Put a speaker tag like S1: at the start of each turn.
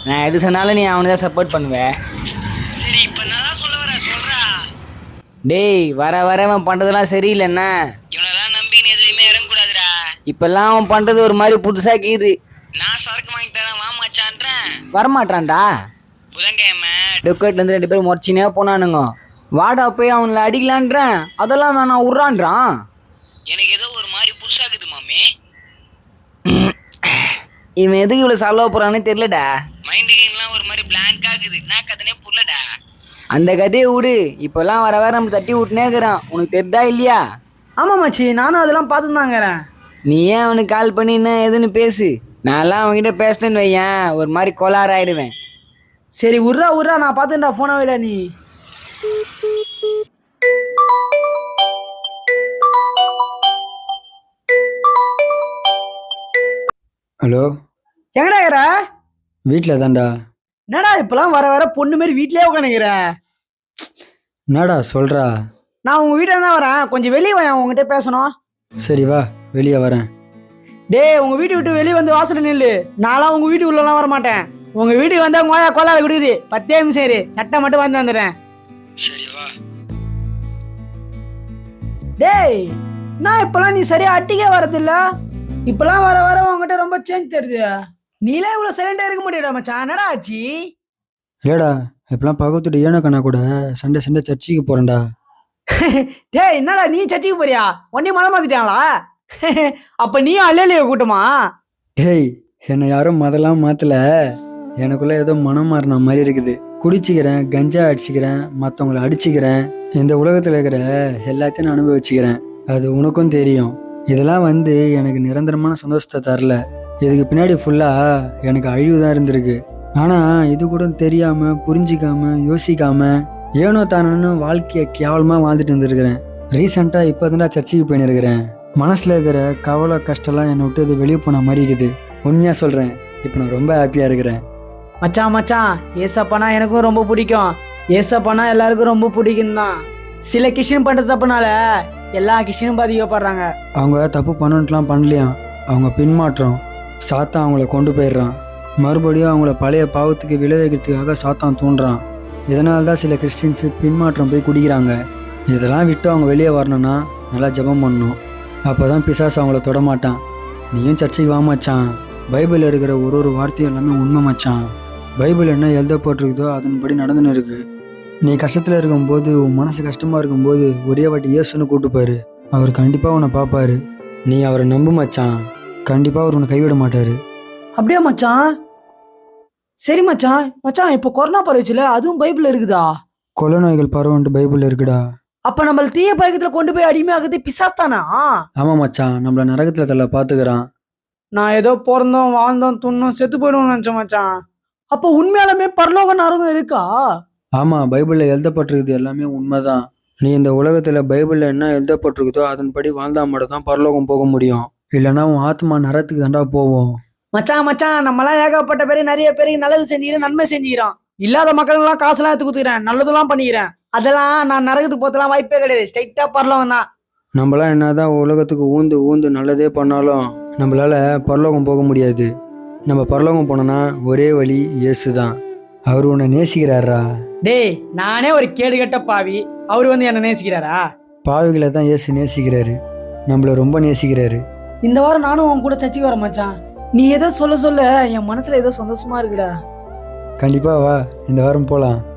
S1: நான் எது சொன்னாலும் நீ அவனுக்கு தான் சப்போர்ட் பண்ணுவேன்.
S2: சரி இப்ப நான் சொல்ல வரேன் சொல்றா.
S1: டேய் வர வர அவன் பண்ணுறதெல்லாம் சரியில்லைண்ணா.
S2: இவனெல்லாம் நம்பி நீ எதுலையுமே இறங்கக்கூடாதுடா.
S1: இப்பெல்லாம் அவன் பண்ணுறது ஒரு மாதிரி புதுசாக கீது.
S2: நான் சரக்கு வாங்கி தரேன் வா மச்சான்றேன்.
S1: வரமாட்டான்டா.
S2: புதன்கிழமை
S1: டொக்கேட்லேருந்து 2 பேரும் முறைச்சினே போனானுங்க. வாடா போய் அவனை அடிக்கலான்றேன், அதெல்லாம் வேணாம் விட்றான்றான்.
S2: எனக்கு ஏதோ ஒரு மாதிரி புதுசாகுது மாமி.
S1: இவன் எதுக்கு இவ்வளோ செலவு போகிறானே தெரிலடா.
S2: மைண்டு கேம்லாம் ஒரு மாதிரி பிளாங்க் ஆகுது. நான் கதனே புரியலடா.
S1: அந்த கதையை விடு. இப்போல்லாம் வர வர நம்ம தட்டி விட்டுனே இருக்கிறான். உனக்கு தெரிதா இல்லையா?
S3: ஆமாம் மச்சி, நானும் அதெல்லாம் பார்த்துதாங்கிறேன்.
S1: நீ ஏன் அவனுக்கு கால் பண்ணி என்ன எதுன்னு பேசு. நான்லாம் அவன்கிட்ட பேசினேன்னு வையேன் ஒரு மாதிரி கோளாறு ஆயிடுவேன்.
S3: சரி உர்றா நான் பார்த்துட்டா ஃபோனை வைடா நீ.
S4: ஹலோ,
S3: எங்கடா இருக்கிற?
S4: வீட்டில் தான்டா.
S3: என்னடா இப்பெல்லாம் வர வர பொண்ணு மாரி வீட்லயே உட்காந்துக்கிற?
S4: என்னடா சொல்கிறா?
S3: நான் உங்கள் வீட்டில் தான் வரேன், கொஞ்சம் வெளியே வரேன், உங்ககிட்ட பேசணும்.
S4: சரி வா, வெளியே வரேன்.
S3: டேய் உங்கள் வீட்டை விட்டு வெளியே வந்து வாசல் நில்லு. நான்லாம் உங்கள் வீட்டு உள்ளலாம் வர மாட்டேன். உங்கள் வீட்டுக்கு வந்தால் மோயா கோலாறு கொடுக்குது. 10 நிமிஷம் சரி, சட்டை மட்டும் வந்து வந்துடுறேன்.
S4: சரி வா.
S3: டேய் நான் இப்பெல்லாம் நீ சரியா அட்டிக்கே வரதில்ல. இப்பெல்லாம் வர வர உங்ககிட்ட ரொம்ப சேஞ்ச் தெரியுது. நீலே இவ்வளோ சைலண்டாக இருக்க முடியாதா மச்சான்? என்னடா ஆச்சு?
S4: இல்லைடா, இப்பெல்லாம் பக்கத்துட்டு ஏனக்கண்ணா கூட சண்டே சர்ச்சுக்கு போகிறேன்டா.
S3: டேய் என்னடா நீ சர்ச்சுக்கு போறியா? ஒன்னே மதம் மாத்திட்டாங்களா? அப்ப நீ அல்லையா கூட்டமா?
S4: ஏய், என்னை யாரும் மதெல்லாம் மாற்றல. எனக்குள்ள ஏதோ மனம் மாறின மாதிரி இருக்குது. குடிச்சிக்கிறேன், கஞ்சா அடிச்சுக்கிறேன், மற்றவங்கள அடிச்சுக்கிறேன். இந்த உலகத்தில் இருக்கிற எல்லாத்தையும் நான் அனுபவிச்சுக்கிறேன். அது உனக்கும் தெரியும். இதெல்லாம் எனக்கு நிரந்தரமான சந்தோஷத்தை தரல. இதுக்கு பின்னாடி ஃபுல்லாக எனக்கு அழிவு தான் இருந்திருக்கு. ஆனால் இது கூட தெரியாமல் புரிஞ்சிக்காம யோசிக்காம ஏனோ தானோன்னு வாழ்க்கையை கேவலமாக வாழ்ந்துட்டு இருந்துருக்கிறேன். ரீசெண்டாக இப்போ தான் சர்ச்சுக்கு போயின்னு மனசில் இருக்கிற கவலை கஷ்டம்லாம் என்னை விட்டு இது வெளியே போன மாதிரி இருக்குது. உண்மையாக சொல்கிறேன், இப்போ நான் ரொம்ப ஹாப்பியாக இருக்கிறேன்.
S3: மச்சான் ஏசப்பானா எனக்கும் ரொம்ப பிடிக்கும். ஏசப்பானா எல்லாருக்கும் ரொம்ப பிடிக்கும் தான். சில கிறிஸ்டின் பண்ணுற தப்புனால எல்லா கிறிஸ்டினும் பாதிக்கப்படுறாங்க.
S4: அவங்க தப்பு பண்ணணுன்ட்டுலாம் பண்ணலையாம். அவங்க பின்மாற்றம் சாத்தான் அவங்கள கொண்டு போயிடுறான். மறுபடியும் அவங்கள பழைய பாவத்துக்கு விளைவிக்கிறதுக்காக சாத்தான் தூண்டுறான். இதனால தான் சில கிறிஸ்டின்ஸு பின்மாற்றம் போய் குடிக்கிறாங்க. இதெல்லாம் விட்டு அவங்க வெளியே வரணும்னா நல்லா ஜெபம் பண்ணணும். அப்போ தான் பிசாசு அவங்கள தொடமாட்டான். நீயும் சர்ச்சைக்கு வா மச்சான். பைபிளில் இருக்கிற ஒரு வார்த்தையும் எல்லாமே உண்மை மச்சான். பைபிள் என்ன எழுதப்பட்டிருக்குதோ அதன்படி நடந்துன்னு இருக்கு. நீ கஷ்டத்தில் இருக்கும்போது, உன் மனசு கஷ்டமாக இருக்கும்போது ஒரே வாட்டி இயேசுன்னு கூப்பிட்டுப்பாரு. அவர் கண்டிப்பாக உன்னை பார்ப்பாரு. நீ அவரை நம்பு மச்சான். கண்டிப்பாக அவர் உன்னை கைவிட மாட்டார்.
S3: அப்படியே மச்சான்? சரி மச்சான் இப்போ கொரோனா பரவச்சுல, அதுவும் பைபிள் இருக்குதா?
S4: கொலை நோய்கள் பரவன்ட்டு பைபிள் இருக்குடா.
S3: அப்ப நம்ம தீய பழக்கத்துல கொண்டு போய் அடிமையாகுது பிசாஸ் தானா?
S4: ஆமா மச்சான், நம்மள நரகத்துல தள்ள பாத்துக்கிறான்.
S3: நான் ஏதோ பிறந்தோம் வாழ்ந்தோம் துண்ணும் செத்து போயிடுவோம் நினைச்சேன் மச்சான். அப்ப உண்மையாலுமே பரலோக நரகம் இருக்கா?
S4: ஆமா, பைபிள்ல எழுதப்பட்டிருக்குது எல்லாமே உண்மைதான். நீ இந்த உலகத்துல பைபிள்ல என்ன எழுதப்பட்டிருக்குதோ அதன்படி வாழ்ந்தா மட்டும் தான் பரலோகம் போக முடியும். இல்லைன்னா உன் ஆத்மா நரகத்துக்கு தாண்டா போவோம்.
S3: மச்சான் நம்மளாம் ஏகப்பட்ட பேரு நிறைய பேருக்கு நல்லது செஞ்சுக்கிறேன், நன்மை செஞ்சுக்கிறோம். இல்லாத மக்களுக்கெல்லாம் காசுலாம் எடுத்து கொடுத்துக்கிறேன், நல்லதெல்லாம் பண்ணிக்கிறேன். அதெல்லாம் நான் நரகத்துக்கு போத்தலாம் வாய்ப்பே கிடையாது. ஸ்ட்ரைட்டா பரலோகம் தான்.
S4: நம்மளாம் என்னதான் உலகத்துக்கு ஊந்து நல்லதே பண்ணாலும் நம்மளால பரலோகம் போக முடியாது. நம்ம பரலோகம் போனோம்னா ஒரே வழி இயேசு தான். அவர் உன்னை நேசிக்கிறாரா?
S3: டேய் நானே ஒரு கேடு கட்ட பாவி, அவரு என்ன நேசிக்கிறாரா?
S4: பாவிகளை தான் இயேசு நேசிக்கிறாரு. நம்மள ரொம்ப நேசிக்கிறாரு.
S3: இந்த வாரம் நானும் உன் கூட சர்ச்சுக்கு வரேன் மச்சான். நீ ஏதோ சொல்ல என் மனசுல ஏதோ சந்தோஷமா இருக்குடா.
S4: கண்டிப்பா வா, இந்த வாரம் போலாம்.